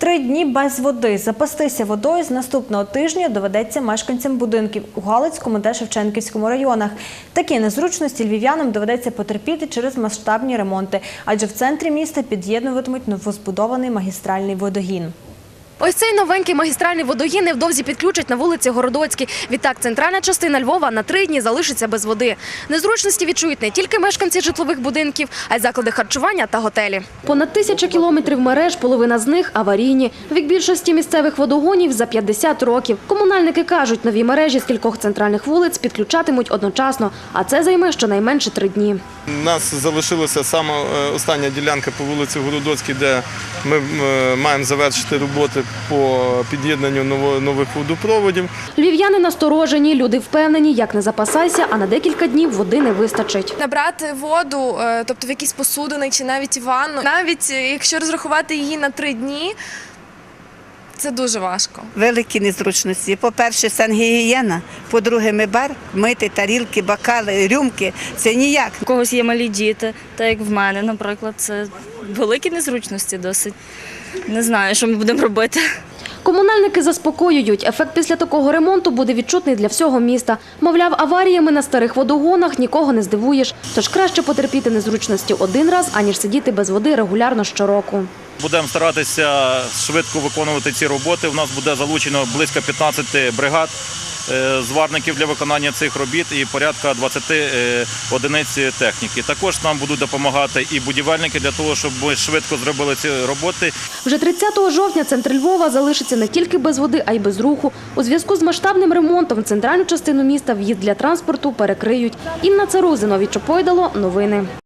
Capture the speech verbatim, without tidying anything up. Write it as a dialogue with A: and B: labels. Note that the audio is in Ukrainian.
A: Три дні без води. Запастися водою з наступного тижня доведеться мешканцям будинків у Галицькому та Шевченківському районах. Такі незручності львів'янам доведеться потерпіти через масштабні ремонти, адже в центрі міста під'єднуватимуть новозбудований магістральний водогін.
B: Ось цей новенький магістральний водогін невдовзі підключать на вулиці Городоцькій. Відтак, центральна частина Львова на три дні залишиться без води. Незручності відчують не тільки мешканці житлових будинків, а й заклади харчування та готелі. Понад тисяча кілометрів мереж, половина з них аварійні. Вік більшості місцевих водогонів за п'ятдесят років. Комунальники кажуть, нові мережі з кількох центральних вулиць підключатимуть одночасно, а це займе щонайменше три дні.
C: У нас залишилася саме остання ділянка по вулиці Городоцькій, де ми маємо завершити роботи по під'єднанню нових водопроводів.
B: Львів'яни насторожені, люди впевнені, як не запасайся, а на декілька днів води не вистачить.
D: Набрати воду, тобто в якісь посудини чи навіть ванну, навіть якщо розрахувати її на три дні, це дуже важко.
E: Великі незручності. По-перше, сангігієна, по-друге, мибар, мити тарілки, бокали, рюмки – це ніяк.
F: У когось є малі діти, так як в мене, наприклад, це великі незручності досить. Не знаю, що ми будемо робити.
B: Комунальники заспокоюють, ефект після такого ремонту буде відчутний для всього міста. Мовляв, аваріями на старих водогонах нікого не здивуєш. Тож краще потерпіти незручності один раз, аніж сидіти без води регулярно щороку.
G: Будемо старатися швидко виконувати ці роботи. У нас буде залучено близько п'ятнадцяти бригад зварників для виконання цих робіт і порядка двадцяти одиниць техніки. Також нам будуть допомагати і будівельники для того, щоб ми швидко зробили ці роботи.
B: Вже тридцятого жовтня центр Львова залишиться не тільки без води, а й без руху. У зв'язку з масштабним ремонтом в центральну частину міста в'їзд для транспорту перекриють. Інна Царузина, Чопойдало, новини.